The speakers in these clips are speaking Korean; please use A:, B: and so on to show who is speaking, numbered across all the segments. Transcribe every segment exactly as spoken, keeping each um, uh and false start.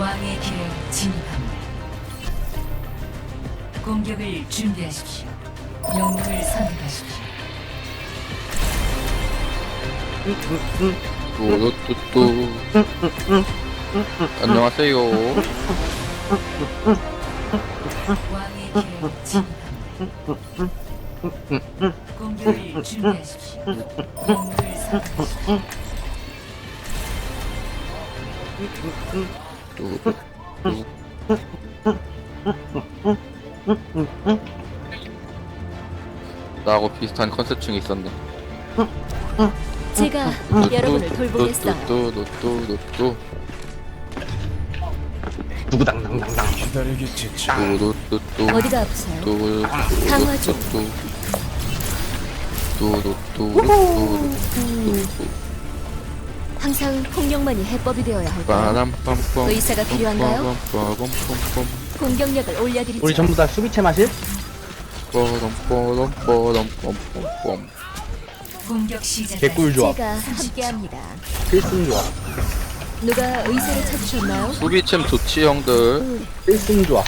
A: 왕의 길을 진입합니다. 공격을 준비하십시오. 영웅을 선택하십시오.
B: 또또또 안녕하세요.
A: 왕의 길을 진입합니다. 공격을 준비하십시오. 영웅을 선택하십시오.
B: 나하고 비슷한 컨셉층이 있었네.
C: 제가 여러분을 돌보겠어요.
B: 또또또또또
D: 누구당당당당.
B: 또또또또
C: 어디가 아프세요? 강화 중.
B: 또또또또또또또
C: 항상 폭력만이 해법이 되어야 할까요?
B: 빠람빰빰
C: 의사가 필요한가요?
B: 빠밤빰빰빰
C: 공격력을 올려드리죠.
D: 우리 전부 다 수비체 마실?
B: 빠람빠람빠람빰빰빰
A: 공격 시작.
D: 개꿀 조합.
C: 제가 함께합니다.
D: 필승 조합.
C: 누가 의사를 찾으셨나요?
B: 수비챔 좋지 형들.
D: 필승 조합.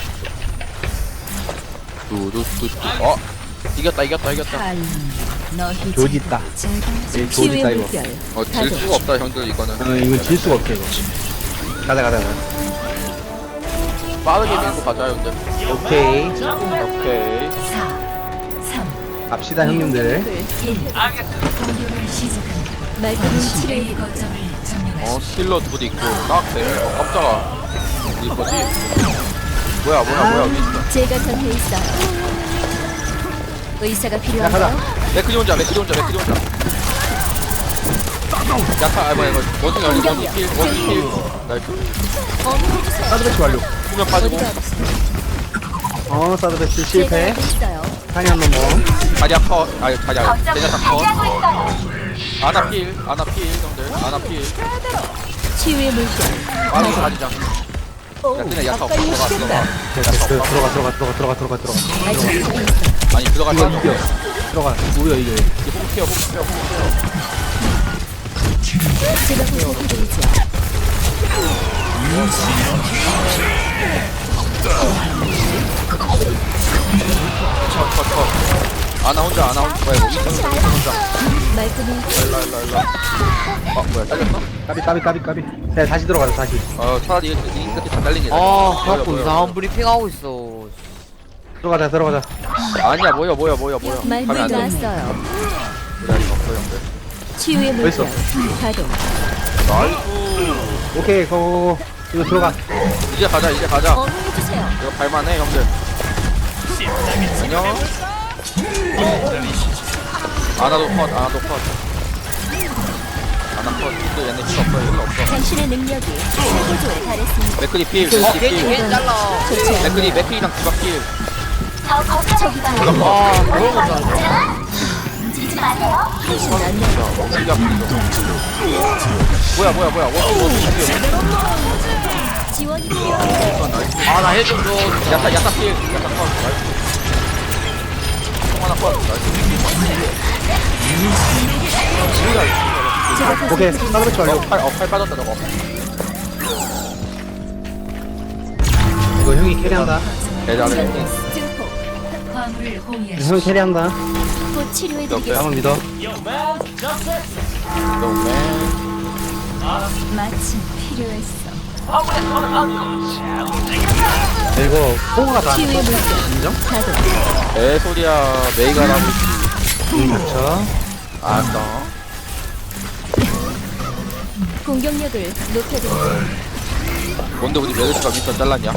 B: 뚜뚜뚜뚜 어 이겼다 이겼다 이겼다.
A: 너희
D: 조지 있다. 예, 조지
C: 치유의
D: 있다 이거.
C: 물결.
B: 어 질 수가 없다 형들 이거는.
D: 어, 이거 질 수가 없어 이거. 가자 가자 가자.
B: 빠르게 밀고 가자 형들.
D: 오케이.
B: 오케이.
A: 사, 삼,
D: 갑시다 형님들.
A: 일. 공격을 시작합니다.
C: 말끔히 치료해.
A: A 거점을 점령하십시오.
B: 어 힐러 둘이 있고 딱 되네. 어 깜짝아. 이 거지? 뭐야 뭐야 뭐야 여기 있어.
C: 제가 전해 있어요. 의사가
D: 야
C: 필요한가요?
D: 가자.
B: 맥크리 혼자 맥크리 혼자 맥크리 혼자. 야타 아 뭐야 이거 원숭이 아니 원숭이 킬 원숭이 킬. 나이스.
C: 어머해주세요.
D: 사드 배치 완료.
B: 후면 빠지고
C: 어디가 아프세요?
D: 어 사드 배치
C: 제가
D: 실패.
C: 알고 있어요.
D: 한이 한 넘어.
B: 자리야 컷 아니 자리야 제냐타 컷. 아나 필 아나 필 형들 아나 필.
C: 치유의 물결.
B: 빠르게 가지자.
C: 오,
B: 야 그냥 야타
C: 가까이
B: 들어가
C: 오시겠다.
B: 들어가.
D: 됐어. 들어가 들어가 들어가 들어가 들어가 들어가.
C: 아직 하고 있어.
B: 아니 들어가
D: 이거 이겨. 들어가. 우려 이겨.
B: 호흡해요 호흡해요 호흡해요.
C: 제가 보살펴드리죠.
B: 컷컷컷 아나 혼자 아나 혼자 뭐야 이거 이거 혼자.
C: 말끔히
B: 일라 일라 일라. 아 뭐야 잘렸어?
D: 까비 까비 까비 까비. 네 다시 들어가자 다시.
B: 어 차라리 이 끝이 다 잘린 게 나아.
E: 아,
B: 뭐야,
E: 자꾸
B: 뭐야,
E: 이상한 브리핑하고 있어.
D: 들어가자 들어가자.
B: 아니야 뭐야 뭐야 뭐야 뭐야.
C: 말문이
B: 가면 안 돼.
C: 나왔어요.
B: 그래 이거 없어 형들.
C: 치유의
D: 벌써.
C: 물결. 가동.
B: 나이스.
D: 오케이 고고고. 이거 들어가.
B: 이제 가자 이제 가자.
C: 어머해주세요.
B: 이거 발만해 형들. 안녕. 아나도 컷 아나도 컷. 아나 컷. 이거 얘네 힐 없어 힐 없어.
C: 당신의 능력이 최고조에 달했습니다.
B: 맥크리 필.
E: 어,
B: 맥크리
E: 괜히
B: 필.
E: 괜히 잘라.
C: 좋지 않아.
B: 맥크리 맥크리랑 디박 필.
C: 저기 다
E: 아, 그런 거 잘라.
C: 훨씬 낫네요.
B: 디박 필. 뭐야 뭐야 뭐야. 원투 원투 필.
C: 지원이 필요합니다.
E: 아, 나 해좀 줘.
B: 야타 야타 필. 야타 컷. 나이스. 총 하나 컷. 나이스.
C: 제가
D: 오케이
C: 보살펴드리죠.
D: 사드 배치 완료.
B: 어, 팔, 어, 팔 빠졌다 저거.
D: 이거 형이 캐리한다.
B: 대단해.
C: 증폭.
A: 화물을 호위하십시오.
D: 형이 캐리한다.
C: 곧 치료해드리겠습니다.
D: 형을 믿어.
B: 너무네.
C: 마침 필요했어.
D: 이거 포가 다.
C: 치유의 물결.
D: 인정?
C: 가동.
B: 애 소리야. 메이가라고.
D: 응 닥쳐.
B: 알았어.
C: 공격력을 높여드리죠.
B: 뭔데 우리 메르시가 밑에 잘랐냐?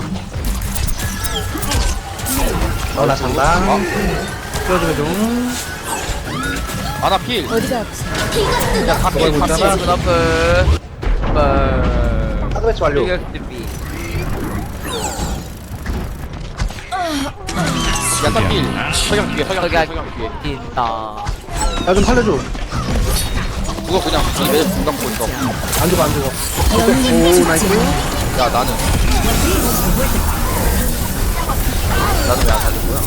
D: 어나 잔다. 끌어주면 좀.
B: 아나 필.
C: 어디가 아프세요?
B: 야, 다 필.
D: 저거
B: 다
D: 있잖아.
B: 필.
E: 스나프. 빠.
D: 사드 배치 완료.
E: 이격티비.
B: 야타 필. 서경 뒤에 서경 뒤에
E: 서경.
B: 서경 뒤에.
E: 있다.
D: 야 좀 살려줘.
B: 그거 그냥 이 메르시 중간 보고 있어.
D: 안 죽어 안 죽어. 오 나이스.
B: 야 나는. 나는 왜 안 살린 거야?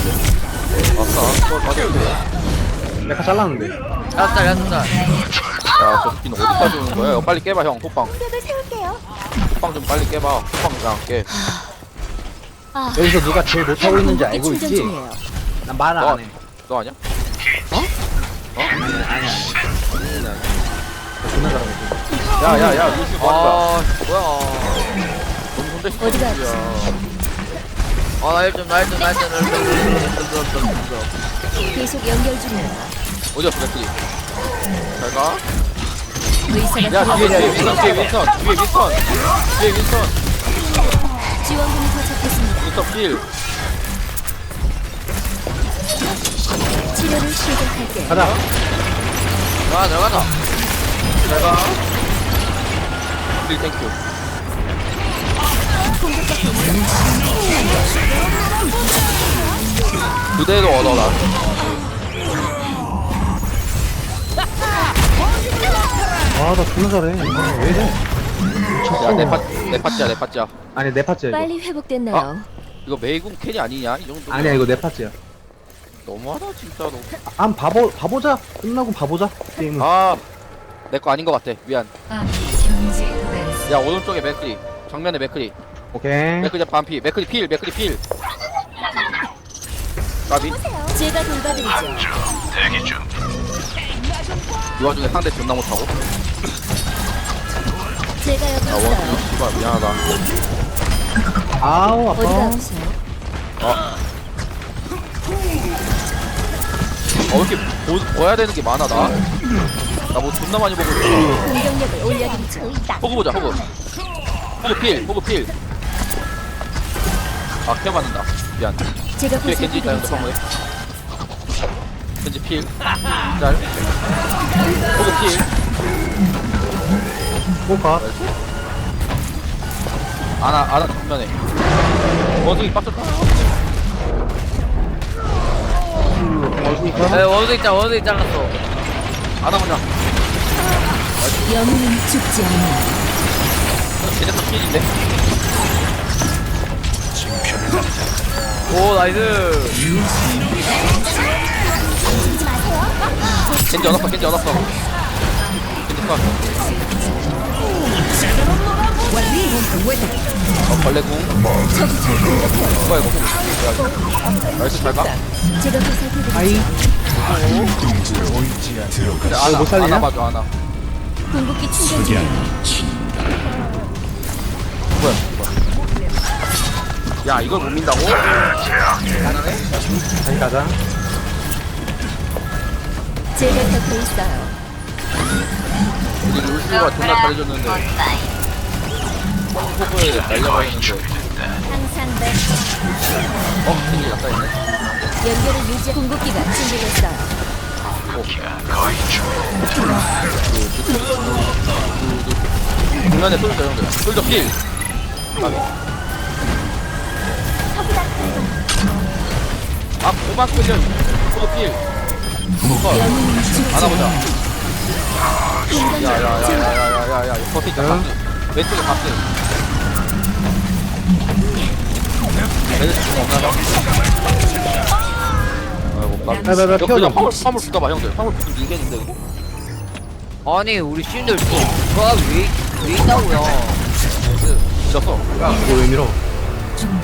B: 아싸. 그걸 맞아야 돼.
D: 내가 잘랐는데.
E: 야스tar, 야스tar.
B: 야저 스킨 어디까지 오는 거야? 이거 빨리 깨봐 형 호빵
C: 공격을 세울게요.
B: 호빵 좀 빨리 깨봐 호빵 그냥 깨
C: 아,
D: 여기서 누가 제일 못하고 있는지 알고
C: 공격기 충전
D: 있지?
C: 중이에요.
D: 난 말을
B: 어.
D: 안해
B: 너 아니야?
D: 아니야 아니야 존나 잘하고
B: 야야야 루시 뭐 하는 거야
E: 아 뭐야
B: 너무 혼자 있어
C: 어디가
E: 아나 일 좀 나 일 좀 나 일 좀 나 일 좀
C: 계속 연결 중이에요.
B: 어디야 브레클이 잘가
C: 의사가
B: 야 뒤에 뒤에
C: 필요합니다.
B: 윈선 뒤에 윈선 뒤에 윈선 뒤에 윈선
C: 지원군이 도착했습니다.
B: 윈선 필
C: 치료를 시작할게요.
D: 가자
E: 가 들어가자
B: 잘가 필 땡큐 그대로 얻어라
D: 아나 존나 잘해 왜 이래 미쳤어
B: 야내 파, 내 파츠야 내 파츠야
D: 아니 내 파츠야 이거
C: 빨리 회복됐나요?
B: 이거 메이군 캔이 아니냐 이 정도
D: 아니야 이거 내 파츠야
B: 너무하다 진짜로
D: 안 봐보 봐보자 끝나고 봐보자 게임은
B: 아내 거 아닌 것 같아 미안
A: 아군이 경제에 도달했습니다.
B: 야 오른쪽에 맥크리 정면에 맥크리
D: 오케이
B: 맥크리 반피 맥크리 필 맥크리 필 까비
C: 제가 돌봐드리죠.
B: 이 와중에 상대 존나 못하고
C: 제가 여기
B: 아 원숭이
C: 있어요.
B: 씨발 미안하다
D: 아우
C: 어디가
D: 아파
C: 아프세요?
B: 어 왜 이렇게 보, 봐야 되는 게 많아 나? 나 뭐 존나 많이 보고 있어
C: 공격력을 올려드리죠.
B: 호구 보자 호구 호구 필 호구 필 아, 케어 받는다 미안
C: 제가
B: 뒤에 겐지 있다 형들
C: 보살펴드리죠.
B: 화물에 겐지 필 짤. 호구 필
D: 뭐가
B: 아나 아나 정면에 원숭이 빡쳤다
E: 에 원숭이 있잖아 원숭이 잘랐어
B: 아나 그냥
C: 영웅은 죽지 않아요.
B: 쟤네도 필인데
E: 오 나이스
B: 겐지 얻었어 겐지 얻었어 겐지 컷 어, 벌레궁 뭐야 이거 나이스 잘가
C: 제가 보살펴드리죠.
D: 아이
B: 아나
D: 못 살리냐?
B: 아나 봐줘 아나
C: 궁극기 충전 중이에요.
B: 뭐야 뭐야 야 이걸 못 민다고? 가능해?
D: 다시 가자
C: 제가 곁에 있어요.
B: 우리 룰스가 존나 잘해줬는데 호구에 날려버리는데
C: 항상 내
B: 어? 겐지 약간 있네
C: 연결을 유지. 궁극기가 준비됐어요.
B: 중간에 쏠져 형들 쏠져 필 까비. 아 고만 끌려 쏠져 필 컷.
C: 영웅은 죽지
B: 안아보자
C: 않아요. 공격력
B: 야야야야야야야야 버티 있다 박스 왼쪽에 박스 얘들 지금 없나봐 아이고 까비
D: 야, 나, 나
B: 이거
D: 피워줘.
B: 그냥 화물 화물 붙어봐 형들 화물 붙으면 밀겠는데 이거
E: 아니 우리 신들 누가 왜, 왜 있다고요
B: 밀었어 야
D: 이거 왜 밀어
A: 종료.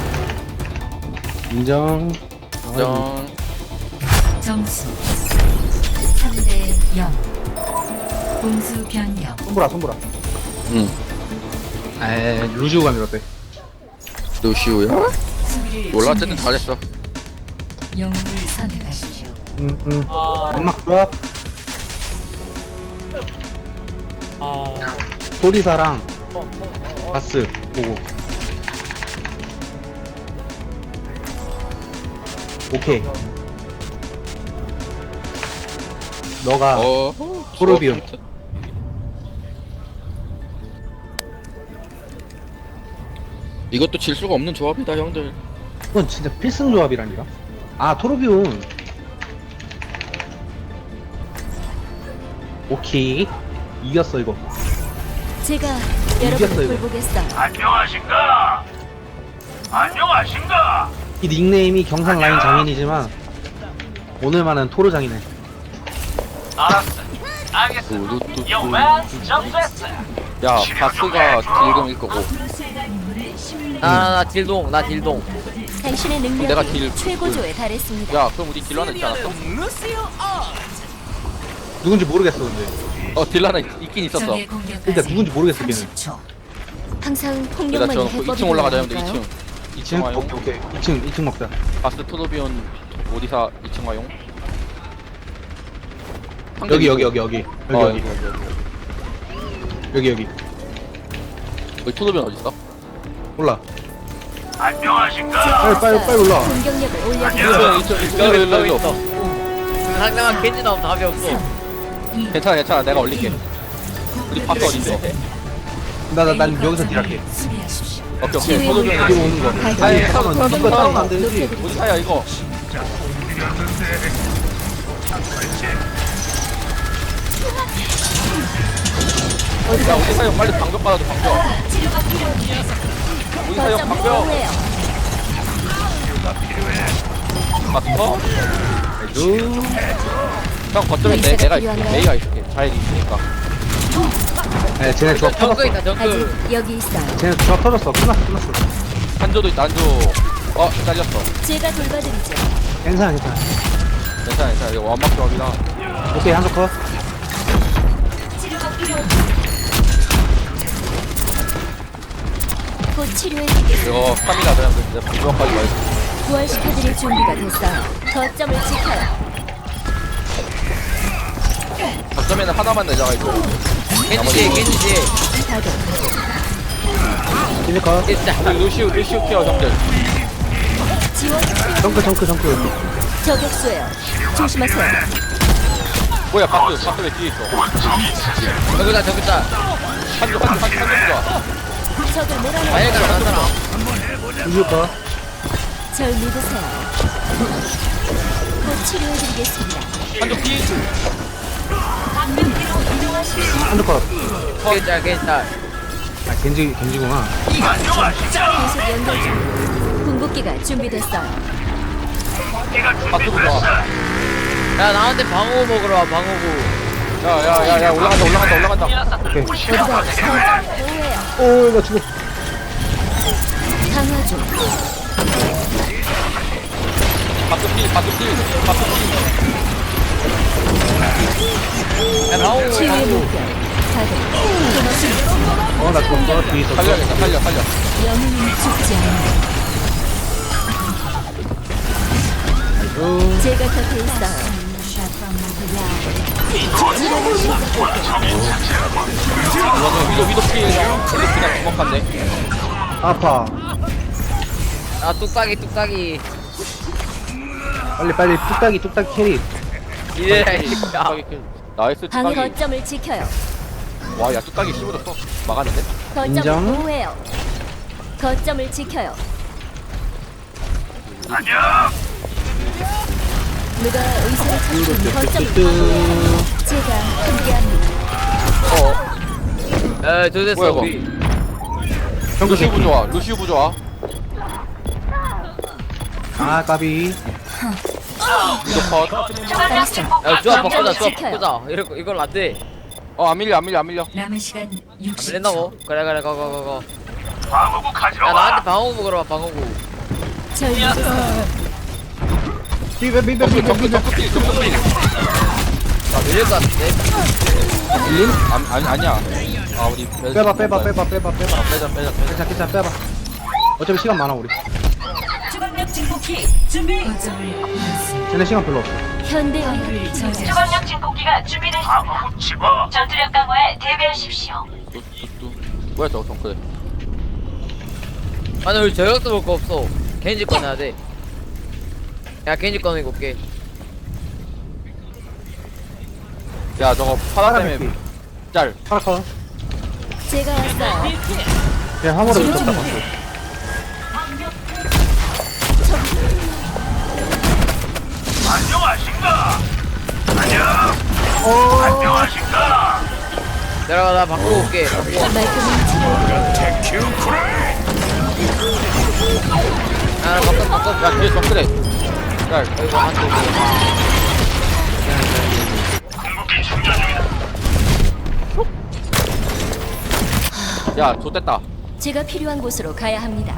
D: 인정
B: 정
A: 점수 삼 대 영. 공수 변경.
D: 손보라 손보라
B: 응
D: 에이 루즈우가 밀었대
B: 루시우야?
A: 수비를
B: 몰라 어쨌든
A: 준비하십시오.
B: 잘했어
A: 영웅을 선택하십시오.
D: 응응 음악 좋아 소리사랑 바스 보고 오케이 너가
B: 어
D: 토르비온.
B: 이것도 질 수가 없는 조합이다 형들
D: 이건 진짜 필승 조합이라니까 아 토르비온 오케이 이겼어 이거
C: 제가
D: 이겼어,
C: 여러분을
D: 이거.
C: 돌보겠어요.
F: 안녕하신가? 안녕하신가?
D: 이 닉네임이 경상 라인 장인이지만 오늘만은 토르 장이네
F: 알았어.
B: 뚜루뚜뚜. 야 바스가 딜금일 거고
E: 나나 딜동 나 딜동.
C: 당신의 능력이
B: 내가 딜-
C: 최고조에 달했습니다.
B: 야 그럼 우리 딜러 하나 있지 않았어?
D: 누군지 모르겠어 근데.
B: 어 딜러 하나 있, 있긴 있었어.
A: 적의 공격까지
D: 일단 누군지 모르겠어 걔는.
A: 삼십 초.
C: 항상
B: 일단
C: 폭력만이
B: 저
C: 해법이
B: 이 층 올라가자 형들
C: 되는
B: 이 층
C: 건가요?
B: 이 층
D: 이 층?
B: 와용
D: 오케이 오케이. 이 층 이 층 먹자.
B: 바스 토도비온 오디사 이 층 와용
D: 여기 여기 여기 여기 여기
B: 어,
D: 여기 여기 여기.
B: 여기 토도비온 어딨어?
D: 올라. 빨리 빨리 빨리 올라.
C: 공격력을 올려드리죠.
B: 토도비온 이 층 이 층 일로 일로 일로
E: 있어. 상대방 겐지 나오면 답이 없어.
B: 괜찮아 괜찮아 내가 올릴게 우리 바스 어딨어?
D: 나나 난 여기서 딜할게.
A: 수비하십시오.
B: 오케이 오케이
C: 치유의
B: 토도비온
C: 물결.
D: 여기 오는 거.
C: 발견.
D: 아니
B: 아니,
D: 잠깐만.
B: 잠깐만,
D: 이거 따로는 안
B: 잠깐만.
D: 되지.
C: 높여드리죠.
B: 오디사야 이거 야 오디사 형 빨리 방벽 받아줘 방벽 오디사 형
C: 거점
B: 방벽
C: 보호해요.
B: 맞어?
D: 아이고.
B: 형 거점에 내, 내가 있을게 메이가 있을게 잘 있으니까
D: 네 쟤네 조합
E: 정크
D: 터졌어.
E: 있다 정크.
C: 아직 여기 있어요.
D: 쟤네 조합 터졌어. 끝났어 끝났어.
B: 한조도 있다 한조 어 잘렸어
C: 제가 돌봐드리죠.
D: 괜찮아 괜찮아.
B: 괜찮아 괜찮아 이거 완막 조합이다
D: 오케이 한쪽 컷.
C: 곧 치료해드리겠습니다.
B: 이거 스타미나 그냥 이제 방벽까지 와 있어
C: 부활시켜드릴 준비가 됐어요. 거점을 지켜요.
B: 거점에는 하나만 내자가 있고
E: 겐지 뒤에 겐지 뒤에.
C: 가동.
D: 딜 컷.
E: 진짜.
B: 우리 루시우 루시우 케어 형들
C: 지원 필요.
D: 정크 정크 정크.
C: 저격수예요. 조심하세요.
B: 뭐야 바스 바스 왜 뒤에 있어
E: 저기다 저기다.
B: 한조 한조 한조 한조 좋아
C: 적을 몰아내요.
E: 마일가 나잖아.
D: 이거 컷.
C: 절 믿으세요. 곧 치료해드리겠습니다.
B: 한조 피
D: 한쪽 컷.
E: 겐지 겐지.
D: 아 겐지 겐지구나.
C: 계속 연결 중. 궁극기가 준비됐어요.
B: 바스도 좋아
E: 야 나한테 방어 먹으러 와 방어구.
B: 야야야야 올라간다 올라간다 올라간다
D: 오케이.
C: 어디가 거점 보호해요.
D: 오나 죽어.
C: 강화 중.
B: 바스 피 바스 피 바스 피
E: 야 방어구
C: 치유의
E: 방어구.
C: 물결. 가동. 끊었습니다.
D: 어나 죽었어. 뒤에 있었어.
B: 살려야겠다 살려 살려
C: 영웅은 죽지 않아요.
D: 아이고.
C: 제가 곁에 있어요.
B: 이거는 위도 위도 피 위도 그냥 주먹한데
D: 아파.
E: 아 뚝딱이 뚝딱이.
D: 빨리 빨리 뚝딱이 뚝딱이 캐리.
E: 이래. 야.
B: 뚝딱이 킬. 나이스
C: 방
B: 뚝딱이
C: 거점을 지켜요.
B: 와야 뚝딱이 씹어줬어 막았는데
C: 거점을
D: 인정.
C: 보호해요. 거점을 지켜요. 누가 의사를 찾든 거점을 보호해요. 제가 함께합니다.
B: 어
E: 에 도됐어
B: 뭐야,
E: 우리.
B: 루시우 부좋아 루시우 부좋아
D: 아 까비.
B: 위도 컷
C: 알았어.
E: 야 조합 바꾸자 조합
C: 지켜요.
E: 바꾸자. 이럴 거 이걸 안 돼.
B: 어, 안 밀려, 안 밀려, 안 밀려.
A: 남은 시간
E: 안
A: 육십
E: 밀린다고?
A: 초.
E: 그래 그래 가가 가가. 야 나한테 방어구 먹으러 와 방어구.
C: 절 믿으세요.
D: 비벼 비벼
B: 점프,
D: 비벼
B: 점프,
D: 비벼.
B: 점프 킬, 점프 킬.
E: 나 밀릴 것 같은데.
D: 밀림?
B: 안, 아니, 아니야. 아, 우리.
D: 빼봐 빼봐 빼봐 빼봐 빼봐.
B: 아, 빼자, 빼자, 빼자.
D: 괜찮아 괜찮아 빼봐. 어차피 시간 많아 우리.
A: 거점을 잃었습니다.
D: 쟤네 시간 별로 없어.
C: 현대
A: 화물을 저지하십시오.
F: 주방력 진폭기가 준비됐습니다. 전투력 강화에 대비하십시오.
B: 뚜, 뚜, 뚜. 뭐야, 저거, 정크래.
E: 아니 우리 저격도 볼 거 없어. 겐지 꺼내야 돼. 야 겐지 꺼내고 올게.
B: 야, 저거, 파라 때문에.
D: 파라메피.
B: 짤.
D: 파라커.
C: 제가 왔어요.
D: 그냥 화물을 붙였다 봤어.
E: 내려가 나 바꾸고 올게. 바꾸고.
C: 말끔히 치료.
E: 아 바꿔 바꿔.
B: 야, 뒤에 정크래. 짤.
E: 이거 한쪽.
B: 야 좋댔다.
C: 제가 필요한 곳으로 가야 합니다.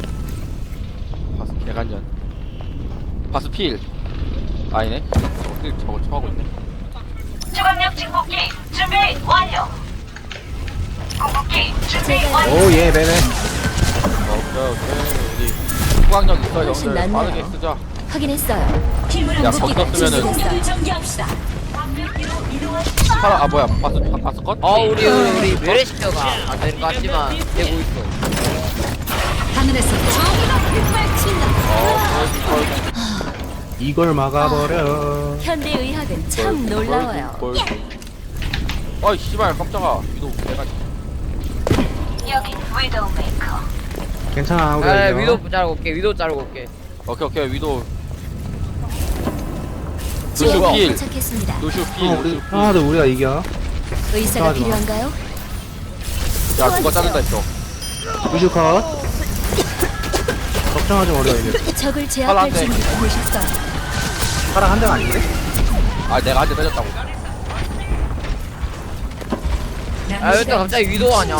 B: 바스 개간년. 바스 필. 아니네. 저거 필 저거 쳐하고 있네.
F: 주광력 증폭기 준비 완료. 공격기 준비 완료.
D: 오예 매매.
B: 오케이 오케이. 우리 후광력 있어
C: 훨씬
B: 형들.
C: 낫네요.
B: 빠르게 쓰자.
C: 확인했어요.
A: 힘을
B: 야
C: 무기가
B: 거기서 쓰면은
C: 준비됐어요.
A: 전개합시다.
B: 파라 아 뭐야 바스 바스 컷?
E: 아 우리 우리 우리 메레시터가 안 되는 것 같지만 되고 있어.
A: 하늘에서 정의가 빗발친다.
B: 어,
D: 이걸 막아버려.
C: 현대 의학은 참 놀라워요.
B: 아이 씨발 깜짝아. 위도 내가
F: 여기 위도우 메이커.
D: 괜찮아 우리.
E: 아 위도 자르고 올게. 위도 자르고 올게.
B: 오케이 오케이 위도
C: 지원군이
B: 필.
C: 도착했습니다.
B: 노쇼 필.
D: 어, 우리
B: 노쇼 필.
D: 하나도 우리가 이겨.
C: 의사가
D: 걱정하지 마.
C: 필요한가요?
B: 야 누가 자른다 했어.
D: 우주 컷. 걱정하지 마 우리가 이겨.
C: 적을
B: 팔
C: 제압할
B: 안 돼.
C: 준비가 되셨어요.
D: 파랑 한 대가 아닌데?
B: 아 내가 한대 때렸다고.
E: 아 일단 갑자기 위도 하냐?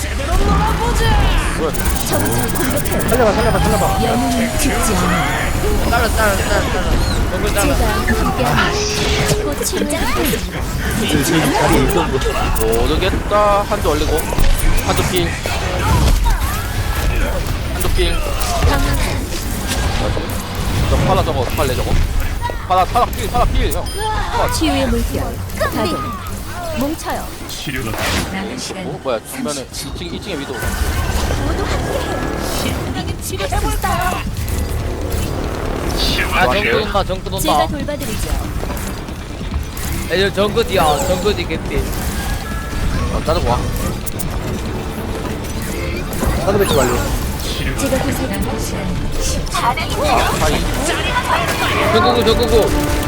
B: 뭐야?
C: 적을 공격해요.
D: 살려봐 살려봐 살려봐.
C: 영웅은 죽지 않아요.
E: 잘라 잘라 잘라 잘라. 너무 잘라.
C: 제가 함께하면 곧 치료해드립니다.
D: 이 자리에 있어.
B: 모르겠다. 한대 올리고 한대 필. 한대 필.
C: 강화탄
B: 저 파라 저거 팔래 저거. 파라 파라 필 파라 필 형.
C: 치유의 물결 가동 뭉쳐요.
A: 남은 시간
B: 어 뭐야 정면에 이 층 이 층에 위도.
E: 아 정크 온다 정크
C: 제가
E: 온다.
C: 돌봐드리죠.
E: 애들 정크 뒤야 정크 뒤 개피.
B: 어 짜증 와.
D: 사드 배치 완료.
C: 제가 보살펴드리죠.
B: 아 사이.
E: 정크구 정크구.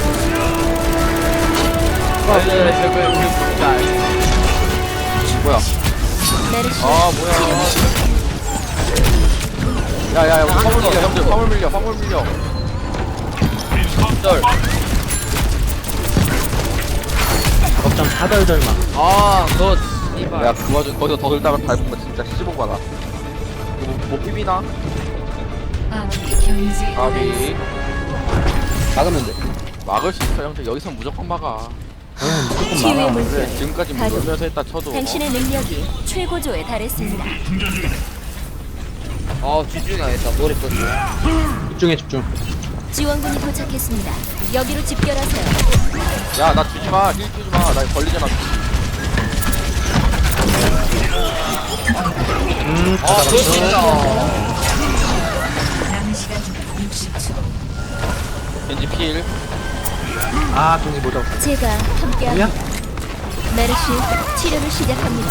E: 아 네, 정크 잘.
B: 뭐야?
C: 메르시
B: 아 뭐야? 야야야 화물 밀려 형들 화물 밀려 화물 밀려.
E: 절.
D: 걱정 사덜덜마.
E: 아 그거
B: 야
E: 이발.
B: 그 와중 거기서 더 들다가 밟은 거 진짜 씹은 거다. 이거 뭐, 뭐 비비나?
A: 경제
B: 아비
D: 막으면 돼.
B: 막을 수 있어 형들 여기서 무조건 막아.
D: 응 무조건
C: 치유의
D: 막아.
B: 그래
C: 물결
B: 지금까지 뭐
C: 가동
B: 놀면서 했다 쳐도.
C: 당신의 능력이 최고조에 달했습니다.
E: 아 집중해야겠다. 노래 떴어.
D: 집중해 집중.
C: 지원군이 도착했습니다. 여기로 집결하세요.
B: 야나 주지 마, 힐 주지 마, 나 걸리잖아.
D: 음
E: 아 그거 진짜.
A: 남은 시간 육십 초.
B: 겐지 필.
D: 아 종이 못 잡았어.
C: 제가
D: 뭐야?
C: 함께합니다. 메르시 치료를 시작합니다.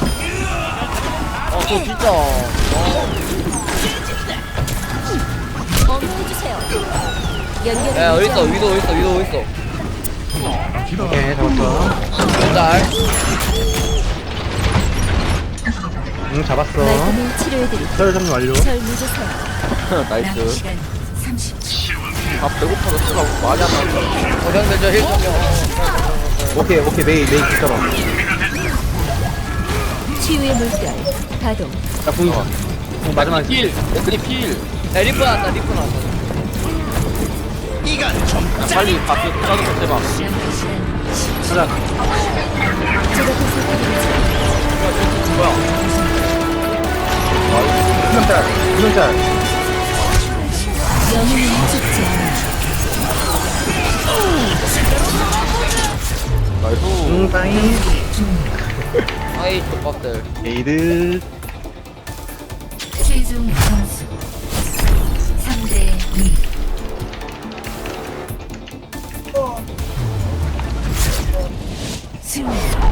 E: 아 그거 진짜.
C: 어머해주세요. 연결을
E: 야 어디 있어
C: 유지합니다.
E: 위도 어디 있어 위도 어디 있어.
D: 오케이 잡았어.
E: 잘.
D: 응 잡았어.
C: 말끔히 치료해드리죠.
D: 설 정리 완료.
C: 절 믿으세요.
A: 남은
B: 나이스.
A: 시간 삼십 초.
B: 아 배고파서 쓰가 많이 안 나왔어.
E: 고생들 저힐 좀.
D: 오케이 오케이 메이 메이 기다려.
C: 치유의 물결 가동.
D: 나 궁이 있어. 궁 마지막에
B: 필. 맥크리 필.
E: 야 리프 나왔다 리프 나왔다.
B: 야, 빨리 바스 짜는 거 대박.
A: 남은 시간
D: 가자.
C: 제가 보살펴드리죠.
B: 뭐야?
D: 두명짤 두명짤.
C: 영웅은 죽지 않아.
B: 나이스.
D: 응 빠이.
E: 아이 족밥들.
D: 에이드.
A: 최종 점수 삼 대 이. 승리.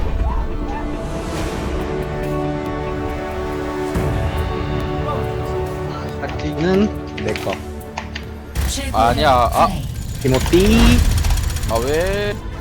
D: 파티는 내 거.
A: 최고
B: 아니야. 아.
A: 플레이.
D: 티모티.
B: 아 왜?